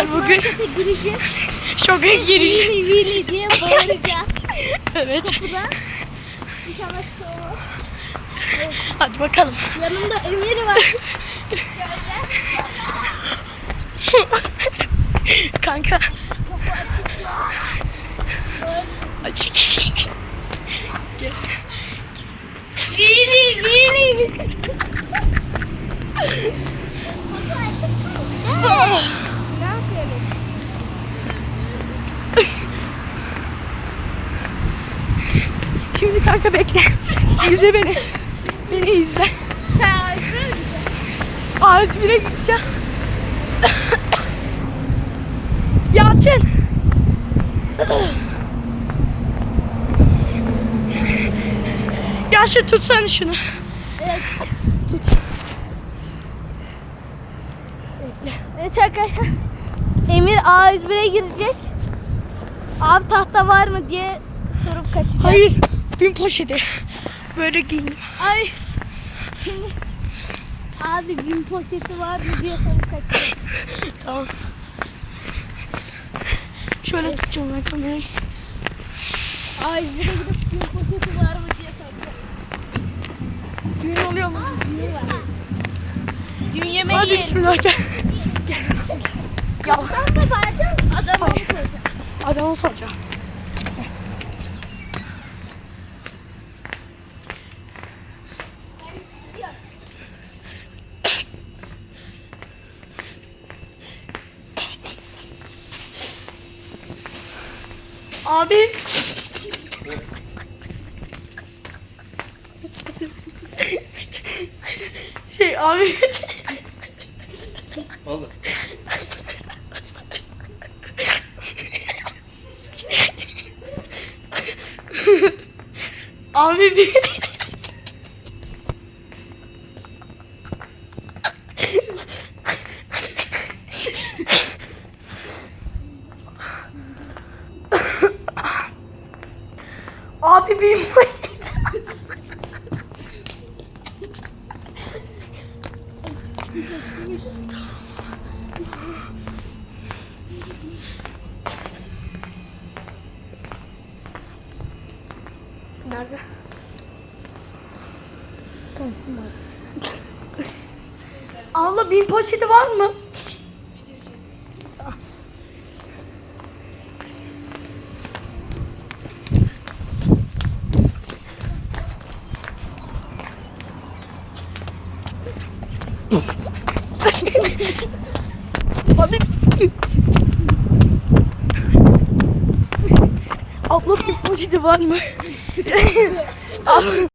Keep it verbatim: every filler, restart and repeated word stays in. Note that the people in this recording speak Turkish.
arkadaşlar bugün şoka gireceğiz. Vili vili diye bağıracağız. Evet. Kapıda. İnşallah çıkıyor. Hadi bakalım. Yanımda Emir var. Kanka. Açık. Vili vili. Ne yapıyoruz? Şimdi kanka bekle. İzle beni. Beni izle. Sen ağzına mı gideceksin? Ağaç bire gideceğim. Yalçın. Yalçın tutsana şunu. Evet. Tut. Evet arkadaşlar. Emir A yüz bire girecek. Abi tahta var mı diye sorup kaçacak. Hayır. Bin poşeti. Böyle giyindim. Ay. Abi bin poşeti var mı diye sorup kaçacak. Tamam. Şöyle tutacağım ben kamerayı. A yüz bire gidip bin poşeti var mı diye soracağız. Düğün oluyor mu? Düğün var. Düğün yemeği Hadi yiyelim. bismillah gel. Gel bismillah. Ya Adam da vardı. Adamı Hayır. soracağız. adamı soracağım. Abi. Şey abi. Vallahi. Abi bir. Abi bir. Nerede? Kastım abi. Abla bin poşeti var mı? Hadi. Abla bin poşeti var mı? Abla,